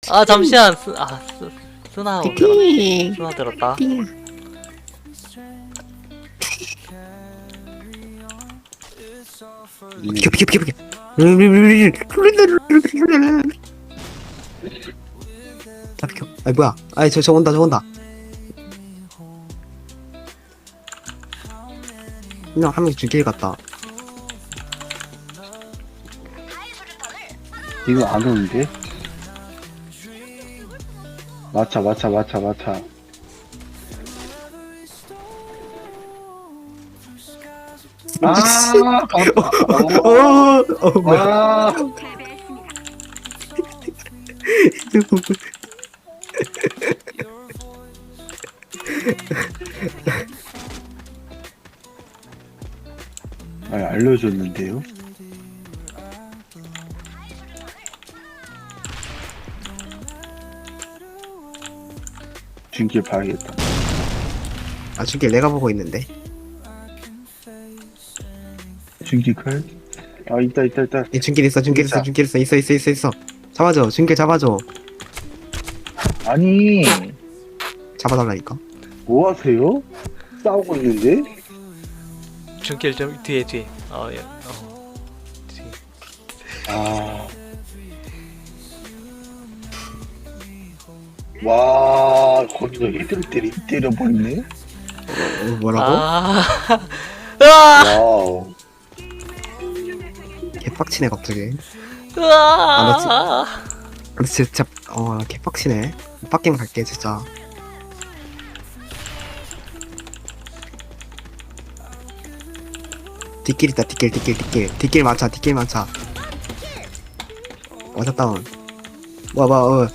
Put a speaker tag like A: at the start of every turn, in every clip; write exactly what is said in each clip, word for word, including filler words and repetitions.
A: 아 잠시만 쓰, 아 쓰, 쓰나 못 들었
B: 띵.
A: 쓰나 들었다.
B: 띵. 비켜 비켜 비켜 비켜. 다 비켜. 아이 뭐야? 아이 저 저 온다 저 온다. 그냥 한 명씩 죽일 같다.
C: 이거 안 오는데? 맞차 맞차 맞차 맞차. 아,
B: 어, 어, 어, 뭐야?
C: 아, 아, 알려줬는데요? 중길 봐야겠다.
B: 아 죽일 내가 보고 있는데.
C: 중길 칼? 아, 있다, 있다, 있다.
B: 예, 중길 있어 중길 있어
C: 있다.
B: 중길 있어 있어 있어 있어 있어. 잡아줘 중길 잡아줘.
C: 아니,
B: 잡아달라니까.
C: 뭐 하세요? 싸우고 있는데?
A: 중길 좀 뒤에 뒤에. 어 예. 어. 뒤에.
C: 아. 와, 거기서 헤드를 때리, 때려버리네?
B: 어, 뭐라고?
A: 아. 으아!
C: 와우.
B: 개빡치네 갑자기.
A: 으아!
B: 근데 진짜 어 개빡치네. 빡게임 갈게 진짜. 뒷길 있다 뒷길 뒷길 뒷길 뒷길 많자 뒷길 많자. 와자 다운. 와봐 어.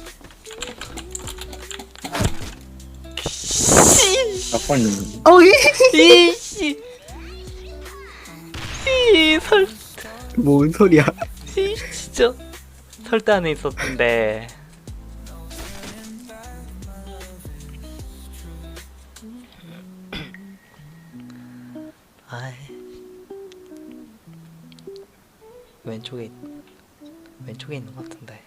C: 약간,
B: 어이
A: 이씨. 이설
B: 뭔 소리야?
A: 이 진짜 설대 안에 있었는데. 아이. 왼쪽에 있- 왼쪽에 있는 것 같은데.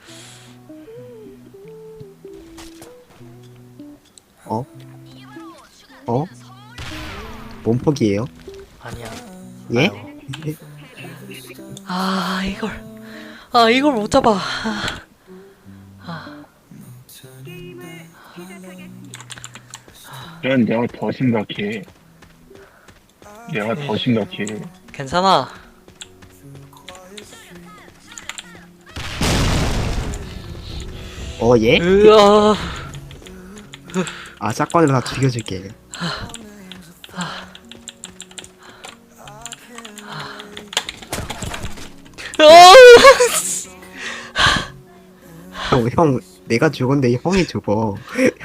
B: 어? 어? 뭔 폭이에요?
A: 아니야.
B: 예?
A: 아이고. 아 이걸 아 이걸 못 잡아. 아, 아.
C: 난 내가 더 심각해. 내가 더 심각해.
A: 괜찮아.
B: 어 예?
A: 으아.
B: 아 짝관으로 다 죽여줄게. 형, 형 내가 죽었는데 형이 죽어.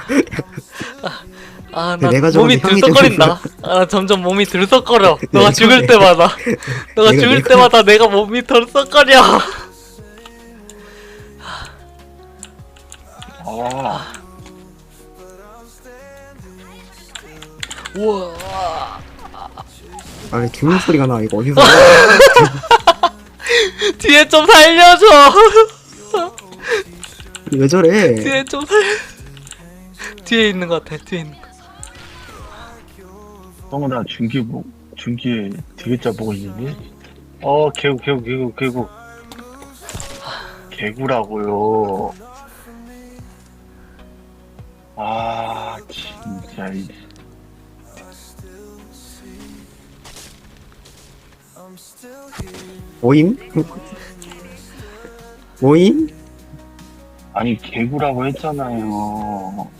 A: 아,
B: 근데
A: 나
B: 내가
A: 몸이
B: 저번에 형이
A: 들썩거린다. 아, 점점 몸이 들썩거려. 너가
B: 내가
A: 죽을
B: 저번에-
A: 때마다. 너가
B: 내가-
A: 죽을
B: 내가-
A: 때마다 내가 몸이 들썩거려.
C: 아,
A: 우와.
B: 아니 죽는 소리가 나 이거 어디서?
A: 뒤에 좀 살려줘.
B: 왜 저래?
A: 뒤에 좀 살. 뒤에 있는 것 같아. 뒤에 있는 거.
C: 형은 나 중기 보, 중기에 되게 짜보고 있는데? 어, 개구, 개구, 개구, 개구. 개구라고요. 아, 진짜, 이.
B: 모임? 모임?
C: 아니, 개구라고 했잖아요.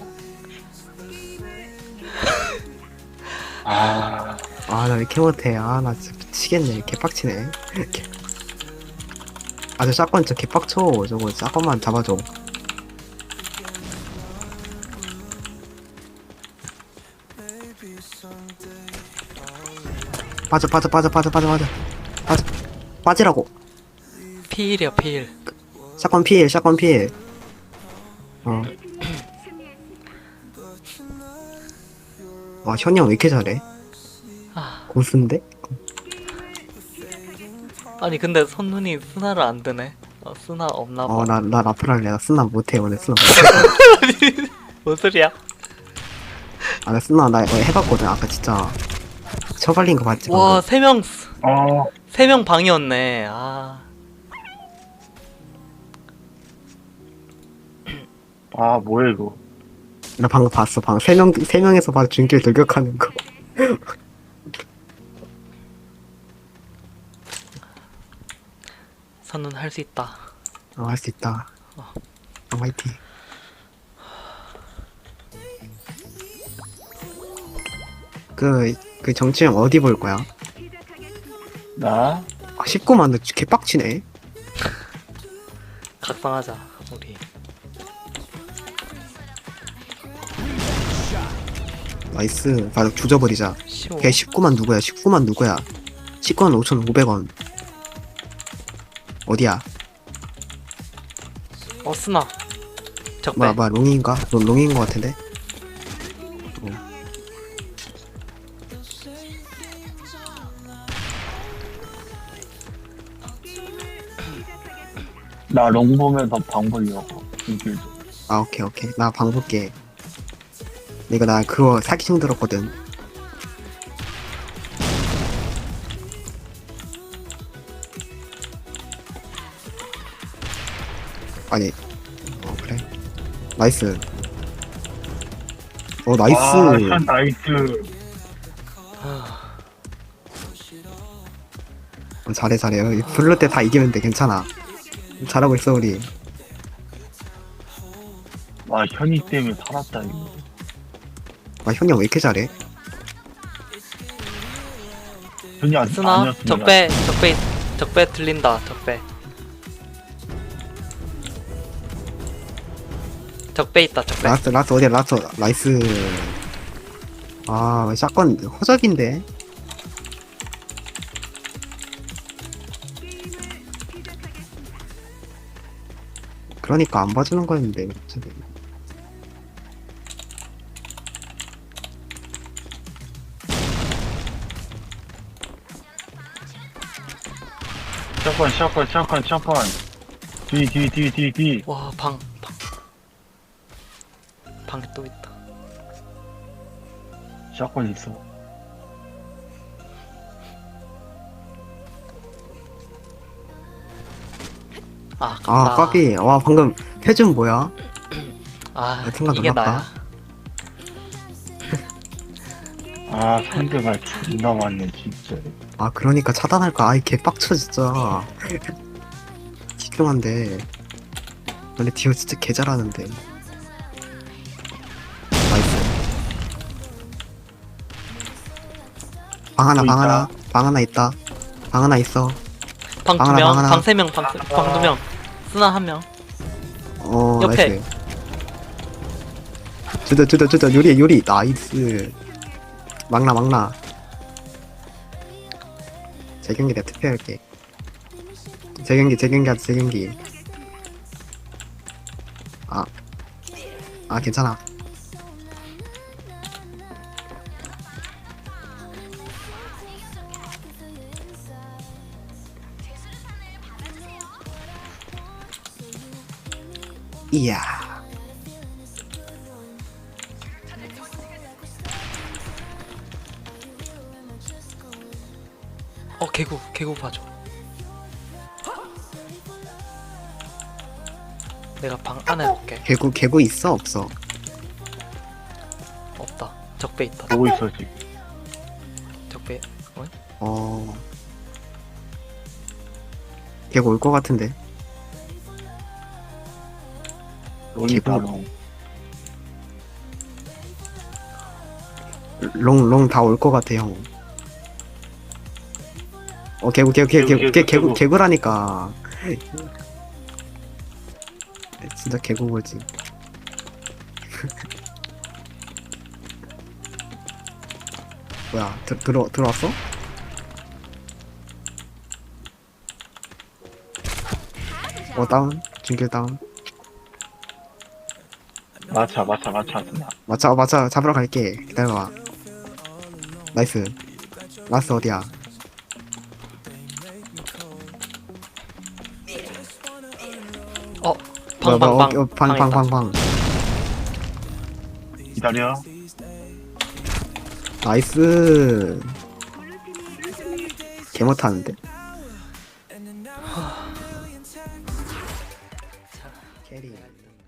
C: 아,
B: 아 나 왜 이렇게 못해? 아 나 진짜 미치겠네. 개빡치네. 개- 아 저 짝관 진짜 개빡쳐. 저거 짝관만 잡아줘. 빠져 빠져 빠져 빠져 빠져 빠져 빠져 빠지라고.
A: 피일이야 피일.
B: 샷건 필 샷건 필. 어. 와 현이 형 왜 이렇게 잘해?
A: 아,
B: 고수인데?
A: 아니 근데 선눈이 스나를 안 드네. 어, 쓰나 없나 봐.
B: 어, 나, 나 라플 할래. 나 쓰나 못해, 오늘 쓰나 못해.
A: 뭔 소리야?
B: 아, 나 쓰나, 나 이거 해봤거든. 아까 진짜. 처발린 거 봤지?
A: 와, 세 명,
C: 아,
A: 세 명 방이었네. 아,
C: 아, 뭐야, 이거.
B: 나 방금 봤어. 방금 세 명, 세 명에서 바로 준길 돌격하는 거.
A: 선은 할 수 있다.
B: 어, 할 수 있다. 어, 화이팅. 그, 그 정치형 어디 볼 거야?
C: 나?
B: 아, 십구만, 너 개빡치네.
A: 각성하자, 우리.
B: 나이스. 바로 조져버리자.
A: 쉬워.
B: 걔 십구만 누구야? 십구만 누구야? 십구만 오천오백 원. 어디야?
A: 어, 쓰나. 적배.
B: 뭐야, 뭐야, 롱인가? 롱, 롱인 거 같은데? 어.
C: 나 롱 보면서 방 보려고. 중길 좀.
B: 아, 오케이, 오케이. 나 방 볼게. 이거 나 그거 사기충 들었거든. 아니, 어, 그래. 나이스. 어, 나이스.
C: 아, 참 나이스.
B: 어, 잘해, 잘해. 블루 때 다 이기면 돼, 괜찮아. 잘하고 있어, 우리.
C: 와, 현이 때문에 살았다, 이거.
B: 아, 형이 왜 이렇게 잘해?
C: 현이 안,
A: 쓰나.
C: 아니었으면
A: 적배, 적배, 적배 들린다, 적배. 적배 있다, 적배.
B: 라스트, 라스트, 어디야, 라스트. 나이스. 아, 샷건 허접인데? 그러니까 안 봐주는 거였는데, 갑자기.
C: 샷건, 샷건, 샷건, 샷건. 뒤, 뒤, 뒤, 뒤, 뒤.
A: 와, 방, 방. 방에 또 있다.
C: 샷건 있어.
A: 아, 아깝다.
B: 아, 까비. 와, 방금 표준 뭐야?
A: 아,
B: 생각
A: 이게
B: 놀랐다.
A: 나야.
C: 아, 상대가 존나 많네, 진짜.
B: 아, 그러니까 차단할까? 아이, 개빡쳐, 진짜. 집중한데. 원래 디오 진짜 개 잘하는데. 나이스. 방 하나,
C: 또
B: 방
C: 있다.
B: 하나. 방 하나 있다. 방 하나 있어.
A: 방
B: 방
A: 두
B: 하나,
A: 명,
B: 방 하나.
A: 방 세 명, 방, 세- 방 두 명. 쓰나 한 명.
B: 어,
A: 옆에.
B: 나이스. 주다, 주다, 주다. 요리, 요리. 나이스. 막나, 막나. 제 경기 내가 투표할게. 제 경기, 제 경기 하자, 제 경기. 아. 아, 괜찮아. 이야.
A: 어, 개구, 개구 봐줘. 내가 방 안에 볼게.
B: 개구, 개구 있어, 없어?
A: 없다. 적배 있다.
C: 보고 있어, 지금.
A: 적배. 어?
B: 어. 개구 올 것 같은데.
C: 롱 있다,
B: 개구.
C: 롱.
B: 롱, 롱 다 올 것 같아, 형. 어, 개구, 개구, 개구, 개구, 개구, 개구, 개구라니까. 진짜 개구보지. 뭐야, 들, 들어, 들어왔어? 어, 다운. 중길 다운.
C: 마차, 마차, 마차, 쓰나.
B: 맞아, 맞아. 잡으러 갈게. 기다려봐. 나이스. 라스 어디야? 뭐야,
A: 방,
B: 뭐야,
A: 방,
B: 어, 어, 방, 방, 방, 방.
C: 기다려.
B: 나이스. 개 못하는데. 캐리.